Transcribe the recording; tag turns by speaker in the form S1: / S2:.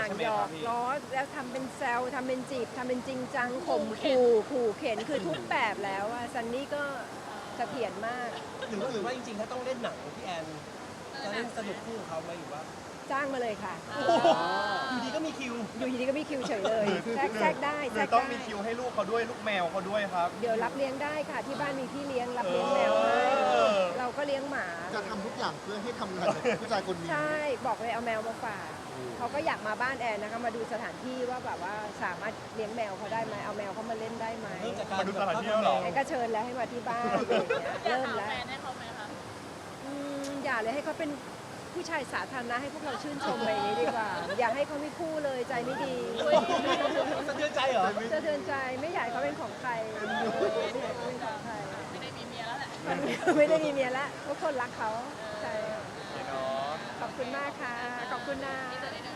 S1: างหยอกล้อแล้วทำเป็นแซวทำเป็นจีบทำเป็นจริงจังข่มขู่เข็นคือทุกแบบแล้วอะซันนี่ก็เสถียรมาก
S2: หรือว่าจริงๆถ้าต้องเล่นหนังพี่แอนจะเล่นสนุกคู่กับเขาไหมหรือว่า
S1: จ้างมาเลยค่ะ
S2: อยู่ดีก็มีคิว
S1: อยู่ดีๆก็มีคิวเฉยเลยแทรกได้
S3: ห
S1: แท
S3: รื
S1: ร
S3: อก ต้อง
S1: ได้
S3: มีคิวให้ลูกเขาด้วยลูกแมวเขาด้วยครับ
S1: เดี๋ยวรับเลี้ยงได้ค่ะที่บ้านมีพี่เลี้ยงรับเลี้ยงแมวให้เราก็เลี้ยงหมา
S4: จะทำทุกอย่างเพื่อให้ทำงานกับผู้ชายคนนี้
S1: ใช่บอกเลยเอาแมวมาฝากเขาก็อยากมาบ้านแอนนะคะมาดูสถานที่ว่าแบบว่าสามารถเลี้ยงแมวเขาได้ไหมเอาแมวเขามาเล่นได้ไหม
S2: เริ่มจากการ
S3: มาดูสถานที่แล้วเหรอ
S1: แอนก็เชิญแล้วให้มาที่บ้านอะไรอย่างเงี้ย
S5: อยาก
S1: เริ่ม
S5: หา
S1: แล้ว
S5: แฟนให้เขาไหมคะ
S1: อย่าเลยให้เขาเป็นผู้ชายสาธารณะให้พวกเราชื่นชมไปอย่างนี้ดีกว่า อย่าให้เขาไม่คู่เลยใจไม่ดี
S2: สะเทือนใจเหรอ
S1: จะเตือนใจไม่อยากให้เขาเป็นของใครไม่อยากให้เขาเป็นของใคร
S5: ไม่ได้มีเมียแล้วแหละ
S1: ไม่ได้มีเมียแล้วทุกคนรักเขาใช่
S3: เนาะ
S1: ขอบคุณมากค่ะ ขอบคุณนะ
S5: นี่จะได้ดู